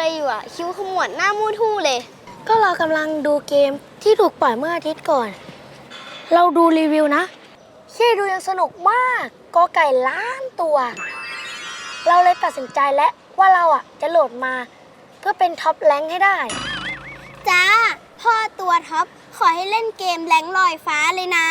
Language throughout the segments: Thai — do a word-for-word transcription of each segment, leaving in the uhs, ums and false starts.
อยู่อะคิ้วขมวดหน้ามูทู่เลยก็เรากำลังดูเกมที่ถูกปล่อยเมื่ออาทิตย์ก่อน เราดูรีวิวนะที่ดูยังสนุกมากกอไก่ล้านตัว เราเลยตัดสินใจแล้วว่าเราอ่ะจะโหลดมาเพื่อเป็นท็อปแรงค์ให้ได้จ้าพ่อตัวท็อปขอให้เล่นเกมแรงลอยฟ้าเลยนะ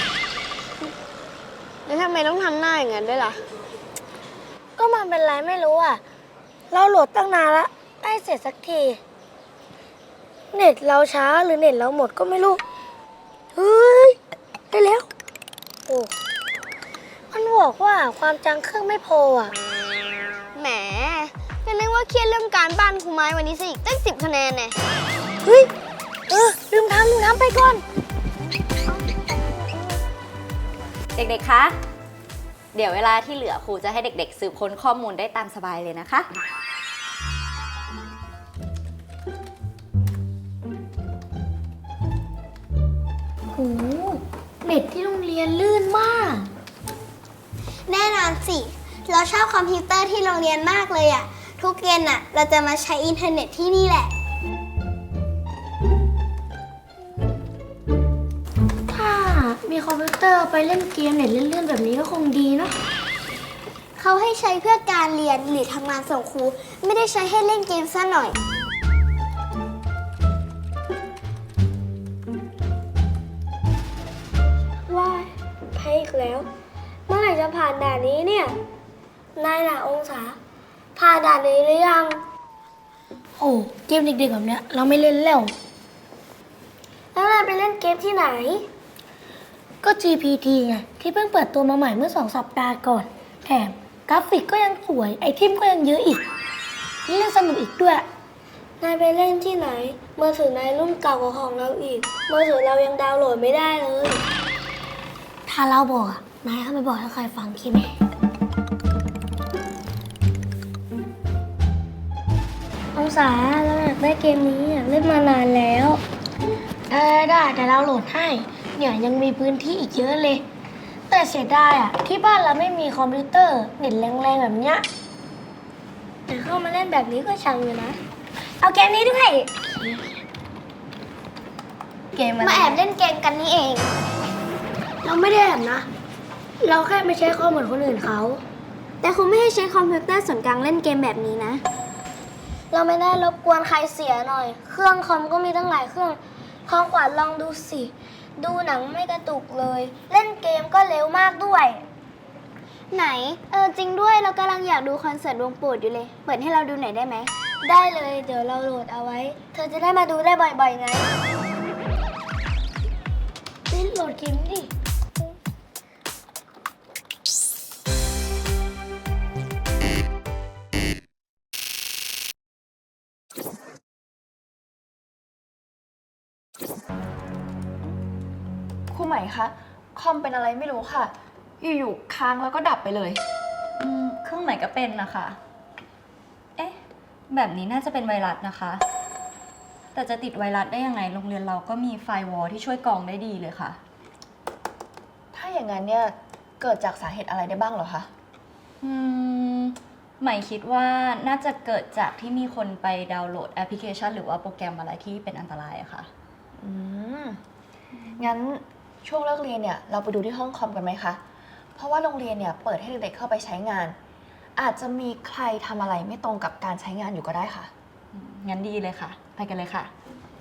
แล้วทำไมต้องทำหน้าอย่างนั้นด้วยล่ะก็มันเป็นไรไม่รู้อ่ะเราโหลดตั้งนานละไม่เสร็จสักทีเน็ตเราช้าหรือเน็ตเราหมดก็ไม่รู้เฮ้ยได้แล้วโอ้มันบอกว่าความจังเครื่องไม่พออ่ะแหมก็นึกว่าเครียดเรื่องการบ้านครูไม้วันนี้ซะอีกตั้งสิบคะแนนเนี่ยเฮ้ยเออลืมทำลืมทำไปก่อนเด็กๆ คะ เดี๋ยวเวลาที่เหลือครูจะให้เด็กๆ สืบค้นข้อมูลได้ตามสบายเลยนะคะโหเน็ตที่โรงเรียนลื่นมากแน่นอนสิเราชอบคอมพิวเตอร์ที่โรงเรียนมากเลยอะทุกเย็นอะเราจะมาใช้อินเทอร์เน็ตที่นี่แหละถ้ามีคอมพิวเตอร์ไปเล่นเกมเน็ตลื่นๆแบบนี้ก็คงดีเนาะเขาให้ใช้เพื่อการเรียนหรือทำงานส่งครูไม่ได้ใช้ให้เล่นเกมซะหน่อยว้ายแพ้อีกแล้วเมื่อไหร่จะผ่านด่านนี้เนี่ยนายน่ะองศาผ่านด่านนี้หรือยังโอ้เกมเด็กๆแบบเนี้ยเราไม่เล่นแล้วแล้วนายไปเล่นเกมที่ไหนก็ จี พี ที ไงที่เพิ่งเปิดตัวมาใหม่เมื่อสองสัปดาห์ก่อนแถมกราฟิกก็ยังสวยไอเทมก็ยังเยอะอีกนี่เล่นสนุกอีกด้วยนายไปเล่นที่ไหนมือถือนายรุ่นเก่ากว่าของเราอีกมือถือเรายังดาวน์โหลดไม่ได้เลยถ้าเราบอกอะนายเข้าไปบอกให้ใครฟังคิดไหมองศาเราอยากได้เกมนี้อยากเล่นมานานแล้วได้ได้แต่เราโหลดให้เนี่ยยังมีพื้นที่อีกเยอะเลยแต่เสียดายอ่ะที่บ้านเราไม่มีคอมพิวเตอร์เน็ตแรงๆแบบเนี้ยแต่เข้ามาเล่นแบบนี้ก็ช่างอยู่นะเอาเกมนี้ด้วยเกมมาแอบเล่นเกมกันนี่เองเราไม่ได้แอบนะเราแค่ไม่ใช้คอมเหมือนคนอื่นเขาแต่คุณไม่ให้ใช้คอมพิวเตอร์ส่วนกลางเล่นเกมแบบนี้นะเราไม่ได้รบกวนใครเสียหน่อยเครื่องคอมก็มีตั้งหลายเครื่องของขวัญลองดูสิดูหนังไม่กระตุกเลยเล่นเกมก็เร็วมากด้วยไหนเออจริงด้วยเรากำลังอยากดูคอนเสิร์ตวงโปรดอยู่เลยเปิดให้เราดูหน่อยได้ไหมได้เลยเดี๋ยวเราโหลดเอาไว้เธอจะได้มาดูได้บ่อยๆไงเล่นโหลดเกมดิครูใหม่คะคอมเป็นอะไรไม่รู้ค่ะอยู่ๆค้างแล้วก็ดับไปเลยอืมเครื่องไหนก็เป็นนะคะเอ๊ะแบบนี้น่าจะเป็นไวรัสนะคะแต่จะติดไวรัสได้ยังไงโรงเรียนเราก็มีไฟร์วอลที่ช่วยกรองได้ดีเลยค่ะถ้าอย่างนั้นเนี่ยเกิดจากสาเหตุอะไรได้บ้างเหรอคะอืมใหม่คิดว่าน่าจะเกิดจากที่มีคนไปดาวน์โหลดแอปพลิเคชันหรือว่าโปรแกรมอะไรที่เป็นอันตรายอะค่ะอืมงั้นช่วงเลิกเรียนเนี่ยเราไปดูที่ห้องคอมกันไหมคะเพราะว่าโรงเรียนเนี่ยเปิดให้เด็กๆเข้าไปใช้งานอาจจะมีใครทำอะไรไม่ตรงกับการใช้งานอยู่ก็ได้ค่ะงั้นดีเลยค่ะไปกันเลยค่ะ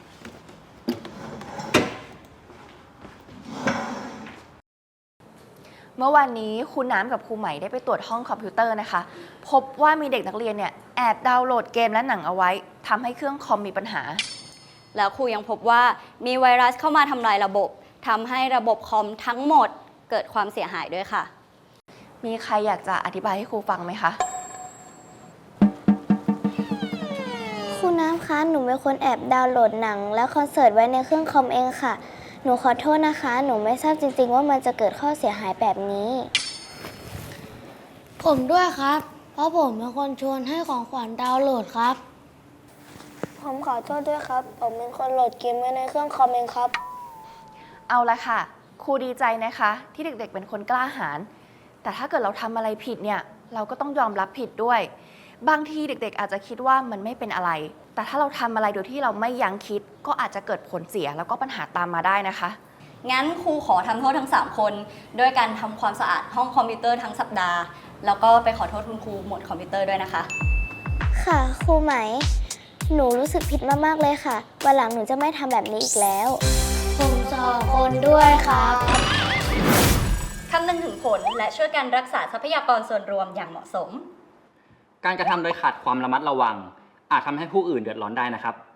เมื่อวานนี้ครูน้ำกับครูใหม่ได้ไปตรวจห้องคอมพิวเตอร์นะคะพบว่ามีเด็กนักเรียนเนี่ยแอบดาวน์โหลดเกมและหนังเอาไว้ทำให้เครื่องคอมมีปัญหาแล้วครูยังพบว่ามีไวรัสเข้ามาทำลายระบบทำให้ระบบคอมทั้งหมดเกิดความเสียหายด้วยค่ะมีใครอยากจะอธิบายให้ครูฟังไหมคะครูน้ำคะหนูเป็นคนแอบดาวน์โหลดหนังและคอนเสิร์ตไว้ในเครื่องคอมเองค่ะหนูขอโทษนะคะหนูไม่ทราบจริงๆว่ามันจะเกิดข้อเสียหายแบบนี้ผมด้วยครับเพราะผมเป็นคนชวนให้ของขวัญดาวน์โหลดครับผมขอโทษด้วยครับผมเป็นคนโหลดเกมไว้ในเครื่องคอมเองครับเอาละค่ะครูดีใจนะคะที่เด็กๆเป็นคนกล้าหาญแต่ถ้าเกิดเราทำอะไรผิดเนี่ยเราก็ต้องยอมรับผิดด้วยบางทีเด็กๆ อาจจะคิดว่ามันไม่เป็นอะไร แต่ถ้าเราทำอะไรโดยที่เราไม่ยั้งคิด ก็อาจจะเกิดผลเสียแล้วก็ปัญหาตามมาได้นะคะงั้นครูขอทำโทษทั้งสามคนด้วยการทำความสะอาดห้องคอมพิวเตอร์ทั้งสัปดาห์ แล้วก็ไปขอโทษคุณครูหมวดคอมพิวเตอร์ด้วยนะคะค่ะครูไหม หนูรู้สึกผิดมากๆเลยค่ะ วันหลังหนูจะไม่ทำแบบนี้อีกแล้วผมสองคนด้วยครับคำนึงถึงผลและช่วยกันรักษาทรัพยากรส่วนรวมอย่างเหมาะสมการกระทำโดยขาดความระมัดระวัง อาจทำให้ผู้อื่นเดือดร้อนได้นะครับ